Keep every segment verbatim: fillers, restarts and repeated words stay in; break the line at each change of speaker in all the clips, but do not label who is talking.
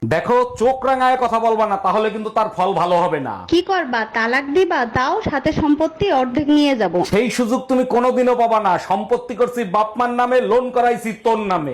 দেখো, চোখ রাঙায় কথা বলবা না, তাহলে কিন্তু তার ফল ভালো হবে না।
কি করবা, তালাক দিবা? তাও সাথে সম্পত্তি অর্ধেক নিয়ে যাব।
সেই সুযোগ তুমি কোনোদিনও পাবা না। সম্পত্তি করছি বাপমার নামে, লোন করাইছি তোর নামে।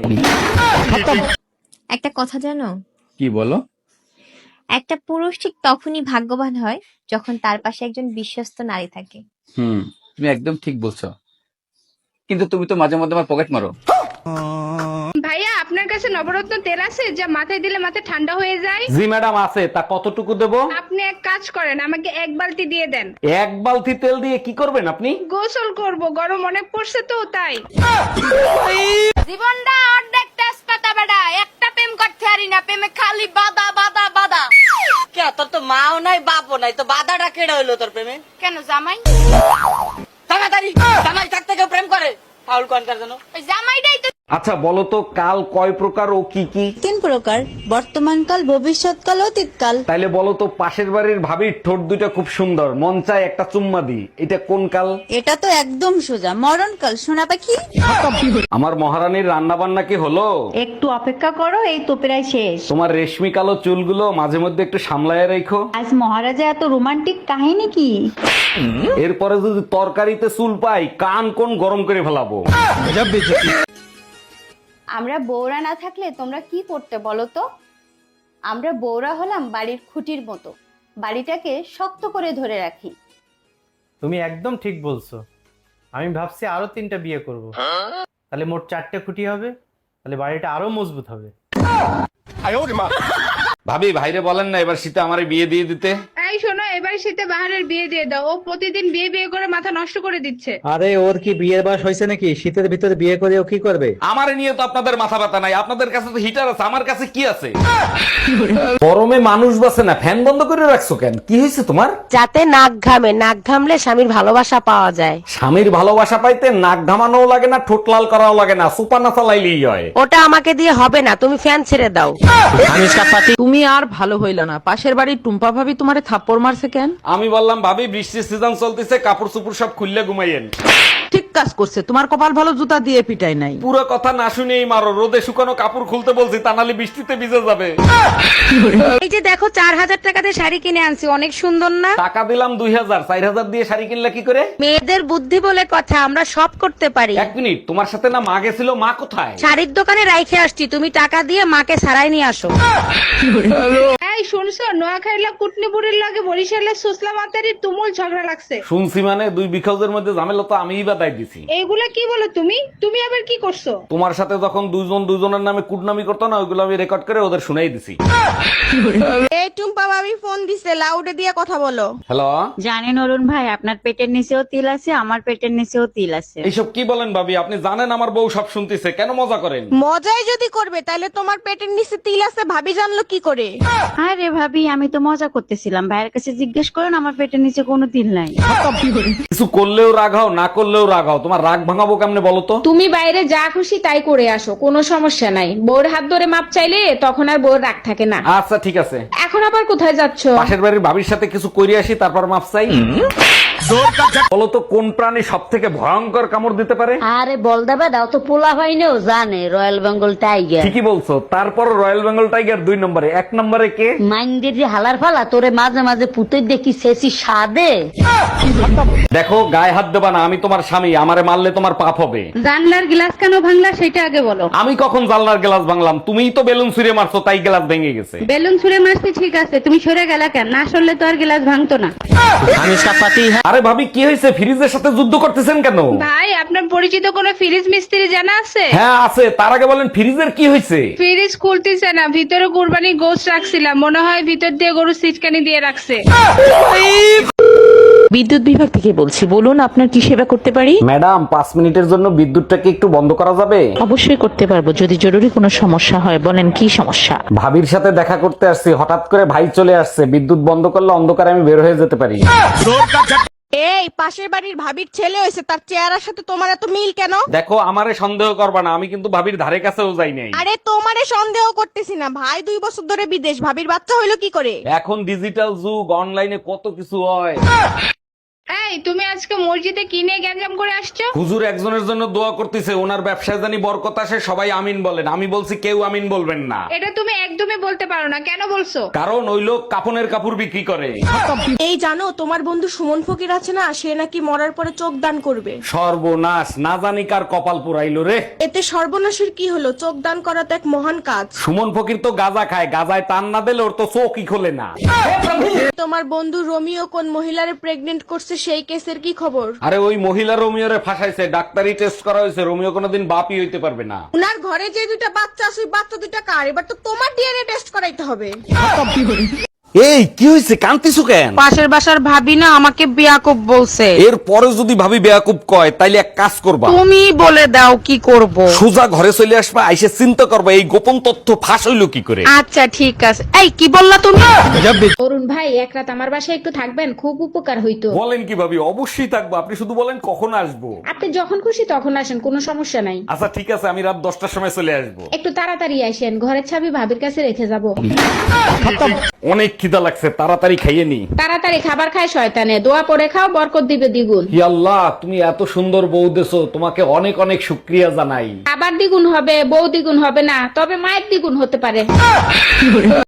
একটা কথা জানো,
কি বলো?
একটা পুরুষ ঠিক তখনই ভাগ্যবান হয় যখন তার পাশে একজন বিশ্বস্ত নারী থাকে।
হুম, তুমি একদম ঠিক বলছো, কিন্তু তুমি তো মাঝে মধ্যে আমার পকেট মারো।
ভাইয়া আপনার কাছে নবরত্ন তেল আছে যা মাথায় দিলে মাথা ঠান্ডা হয়ে যায়?
জি ম্যাডাম আছে, তা কতটুকু দেবো?
আপনি এক কাজ করেন, আমাকে এক বালতি দিয়ে দেন।
এক বালতি তেল দিয়ে কি করবেন আপনি?
গোসল করব, গরম অনেক পড়ছে তো তাই।
জীবনটা অর্ধেক তেজপাতা বেটা, একটা প্রেম করতে পারি না, প্রেমে খালি বাদা বাদা বাদা।
কে তোর তো মাও নাই বাপও নাই, তো বাধাটা কেড়ে হইলো তোর প্রেমে?
কেন জামাই?
তাড়াতাড়ি জামাই থাকতে কেউ প্রেম করে? ফাউল কনকার জন্য
ওই জামাইটাই তো।
আচ্ছা বলো তো, কাল কয় প্রকার ও কি কি?
তিন প্রকার, বর্তমানকাল, ভবিষ্যৎকাল, অতীতকাল।
তাইলে বলো তো, পাশের বাড়ির ভাবির ঠোঁট দুইটা খুব সুন্দর, মন চায় একটা চুম্মা দি, এটা কোন কাল?
এটা তো একদম সোজা, মরণকাল। সোনা পাখি,
আমার মহারানীর রান্না বান্না কি হলো?
একটু অপেক্ষা করো, এই তো প্রায় শেষ।
তোমার রেশমি কালো চুলগুলো মাঝে মধ্যে একটু সামলায় রেখো।
আজ মহারাজা এত রোমান্টিক কাহিনী কি?
এরপরে যদি তরকারিতে চুল পাই, কান কোন গরম করে ফেলাবো।
আমরা বউরা না থাকলে তোমরা কি করতে বলো তো? আমরা বউরা হলাম বাড়ির খুঁটির মতো, বাড়িটাকে শক্ত করে ধরে রাখি।
তুমি একদম ঠিক বলছো। আমি ভাবছি আরো তিনটা বিয়ে করব, তাহলে মোট চারটে খুঁটি হবে, তাহলে বাড়িটা আরো মজবুত হবে।
ভাবি, ভাইরে বলেন না এবার শীতে আমারে বিয়ে দিয়ে দিতে।
এই শোনো, এবার শীতে বাহারের বিয়ে দিয়ে দাও, ও প্রতিদিন বিয়ে বিয়ে করে মাথা নষ্ট করে দিচ্ছে।
আরে ওর কি বিয়ের বয়স হয়েছে নাকি? শীতের ভিতরে বিয়ে করে ও কি করবে?
আমারে নিয়ে তো আপনাদের মাথা ব্যথা নাই, আপনাদের কাছে তো হিটার আছে, আমার কাছে কি আছে? গরমে মানুষ বাসে না, ফ্যান বন্ধ করে রাখছো কেন? কি হয়েছে তোমার?
যাতে নাক ঘামে, নাক ঘামলে স্বামীর ভালোবাসা পাওয়া যায়।
স্বামীর ভালোবাসা পাইতে নাক ঘামানোও লাগে না, ঠোঁট লাল করাও লাগে না, সুপা না চালাইলেই হয়।
ওটা আমাকে দিয়ে হবে না, তুমি ফ্যান ছেড়ে দাও।
তুমি আর ভালো হইল না, পাশের বাড়ির টুম্পা ভাবি তোমারে থাপ্পড় মারছে কেন?
আমি বললাম ভাবি বৃষ্টির সিজন চলতেছে, কাপড় চুপড় সব খুললে ঘুমাইয়েন।
ঠিক কাজ করছে, তোমার কপাল ভালো জুতা দিয়ে পিটাই নাই।
পুরো কথা না শুনেই মারো, রোদে শুকানো কাপড় খুলতে বলছি, তা নাহলে বৃষ্টিতে ভিজে যাবে।
এই যে দেখো, চার হাজার টাকাতে শাড়ি কিনে আনছি, অনেক সুন্দর না?
টাকা দিলাম দুই হাজার, চার হাজার দিয়ে শাড়ি কিনলে কি করে?
মেয়েদের বুদ্ধি বলে কথা, আমরা সব করতে পারি।
এক মিনিট, তোমার সাথে না মা গেছিল, মা কোথায়?
শাড়ির দোকানে রাইখে আসছি, তুমি টাকা দিয়ে মাকে সারাই নিয়ে আসো।
এই শুনছো, নোয়াখাইলা কুটনি বুড়ির লাগে বরিশালে সুসলা মাতারি তুমুল ঝগড়া লাগছে।
শুনছি মানে, দুই বিখজের মধ্যে ঝামেলা তো আমিই বাদাই দিছি।
এইগুলা কি বলো তুমি? তুমি আবার কি করছো?
তোমার সাথে যখন দুইজন দুজনের নামে কুটনামি করতো না, ওইগুলো আমি রেকর্ড করে ওদের শুনাই দিছি।
এই টুম্পা ভাবি ফোন দিছে, লাউডে দিয়ে কথা বলো।
হ্যালো,
জানেন অরুণ ভাই, আপনার পেটের নিচেও তিল আছে, আমার পেটের নিচেও তিল আছে।
এইসব কি বলেন ভাবি? আপনি জানেন আমার বউ সব শুনতেছে, কেন মজা করেন?
মজাই যদি করবে তাহলে তোমার পেটের নিচে তিল আছে ভাবি জানলো কি করে?
আরে ভাবি, আমি তো মজা করতেছিলাম, ভাইয়ের কাছে জিজ্ঞেস করেন, আমার পেটের নিচে কোনো তিল নাই।
কিছু করলেও রাগ হও, না করলেও রাগ হও, তোমার রাগ ভাঙাবো কেমনে বলো তো?
তুমি বাইরে যা খুশি তাই করে আসো, কোনো সমস্যা নাই। বউর হাত ধরে মাপ চাইলে তখন আর বউর রাগ থাকে না।
আচ্ছা ঠিক আছে।
এখন আবার কোথায় যাচ্ছ?
পাশের বাড়ির ভাবির সাথে কিছু কইরে আসি, তারপর মাপ চাই। বলো তো, কোন প্রাণী সব থেকে ভয়ঙ্কর কামড় দিতে পারে?
আরে বল দেবে দাও তো, পোলা হয়নিও জানে, রয়্যাল বেঙ্গল টাইগার।
ঠিকই বলছো, তারপর রয়্যাল বেঙ্গল টাইগার দুই নম্বরে, এক নম্বরে কে?
মাইন্ডের যে হালার ফালা, তোরে মাঝে মাঝে পুতে দেখি শেষি সাদে।
দেখো, গায়ে হাত দেবা না, আমি তোমার স্বামী, আমারে মারলে তোমার পাপ হবে।
জানলার গ্লাস কেন ভাঙলা সেটা আগে বলো।
আমি কখন জানলার গ্লাস ভাঙলাম? তুমিই তো বেলুন ছুঁড়ে মারছো, তাই গ্লাস ভেঙে গেছে।
বেলুন ছুঁড়ে মারছি ঠিক আছে, তুমি সরে গেলা কেন? না সরলে তো আর গ্লাস ভাঙতো না।
আরে ভাবি, কি হয়েছে? ফ্রিজের সাথে যুদ্ধ করতেছেন কেন?
ভাই, আপনার পরিচিত কোনো ফ্রিজ মিস্ত্রি জানা আছে?
হ্যাঁ আছে, তার আগে বলেন ফ্রিজের কি হয়েছে?
ফ্রিজ খুলতেছে না, ভিতরে কুরবানি গোশত রাখছিলাম, মনে হয় ভিতর দিয়ে গরু সিটকানি দিয়ে রাখছে।
বিদ্যুৎ বিভাগ থেকে বলছি, বলুন আপনার কি সেবা করতে পারি?
ম্যাডাম, পাঁচ মিনিটের জন্য বিদ্যুৎটাকে একটু বন্ধ করা যাবে?
অবশ্যই করতে পারবো, যদি জরুরি কোনো সমস্যা হয়। বলেন কি সমস্যা?
ভাবির সাথে দেখা করতে আসছি, হঠাৎ করে ভাই চলে আসছে, বিদ্যুৎ বন্ধ করলে অন্ধকারে আমি বের হয়ে যেতে পারি।
এই পাশের বাড়ির ভাবির ছেলে হয়েছে, তার চেহারার সাথে তোমার এত মিল কেন?
দেখো, আমারে সন্দেহ করবা না, আমি কিন্তু ভাবির ধারে কাছেও যাই নাই।
আরে তোমারে সন্দেহ করতেছি না, ভাই দুই বছর ধরে বিদেশ, ভাবির বাচ্চা হইলো কি করে?
এখন ডিজিটাল যুগ, অনলাইনে কত কিছু হয়।
ভাই তুমি আজকে মসজিদে কি নিয়ে গ্যাঞ্জাম করে আসছো?
হুজুর একজনের জন্য দোয়া করতেছে, ওনার ব্যবসায় জানি বরকত আসে, সবাই আমিন বলেন। আমি বলছি কেউ আমিন বলবেন না,
এটা তুমি একদমই বলতে পারো না, কেন বলছো?
কারণ ওই লোক কাপনের কাপড় বিক্রি করে।
এই জানো তোমার বন্ধু সুমন ফকির আছে না, সে নাকি মরার পরে চোখ দান করবে।
সর্বনাশ, না জানি কার কপাল পুরাইলো রে।
এতে সর্বনাশের কি হলো? চোখ দান করা তো এক মহান কাজ।
সুমন ফকির তো গাঁজা খায়, গাঁজায় টান না দিলে ওর তো চোখই খোলে না।
তোমার বন্ধু রোমিও কোন মহিলারে প্রেগনেন্ট করছে সেই কেসের কি খবর?
আরে ওই মহিলা রোমিওরে ফাঁসাইছে, ডাক্তারি টেস্ট করা হয়েছে, রোমিও কোনোদিন বাপই হইতে পারবে না।
উনার ঘরে যে দুইটা বাচ্চা আছে ওই বাচ্চা দুইটা কার? এবার তো তোমার ডিএনএ টেস্ট করাইতে হবে।
এই কি হয়েছে, কান্তিছু কেন?
পাশের বাসার ভাবি না আমাকে বিয়াকুব বলছে।
এর পরে যদি ভাবি বেয়াকুব কয় তাইলে এক কাজ করবা,
তুমি বলে দাও কি করব।
সোজা ঘরে চলে আসবা, আইসে চিন্তা করবা এই গোপন তথ্য ফাঁস হইলো কি করে।
আচ্ছা ঠিক আছে। এই কি বললা তুমি?
অরুণ ভাই এক রাত আমার বাসায় একটু থাকবেন, খুব উপকার হইতো।
বলেন কি ভাবি, অবশ্যই থাকবো, আপনি শুধু বলেন কখন আসবো।
আপনি যখন খুশি তখন আসেন, কোনো সমস্যা নাই।
আচ্ছা ঠিক আছে, আমি রাত দশটার সময় চলে আসবো।
একটু তাড়াতাড়ি আসেন, ঘরের চাবি ভাবির কাছে রেখে যাব।
অনেক খিদা লাগছে, তাড়াতাড়ি খাইয়ে নি।
তাড়াতাড়ি খাবার খায় শয়তানে, দোয়া পড়ে খাও, বরকত দিবে দ্বিগুণ।
হি আল্লাহ, তুমি এত সুন্দর বউ দেছো, তোমাকে অনেক অনেক শুকরিয়া জানাই।
খাবার দ্বিগুণ হবে, বউ দ্বিগুণ হবে না, তবে মায়ের দ্বিগুণ হতে পারে।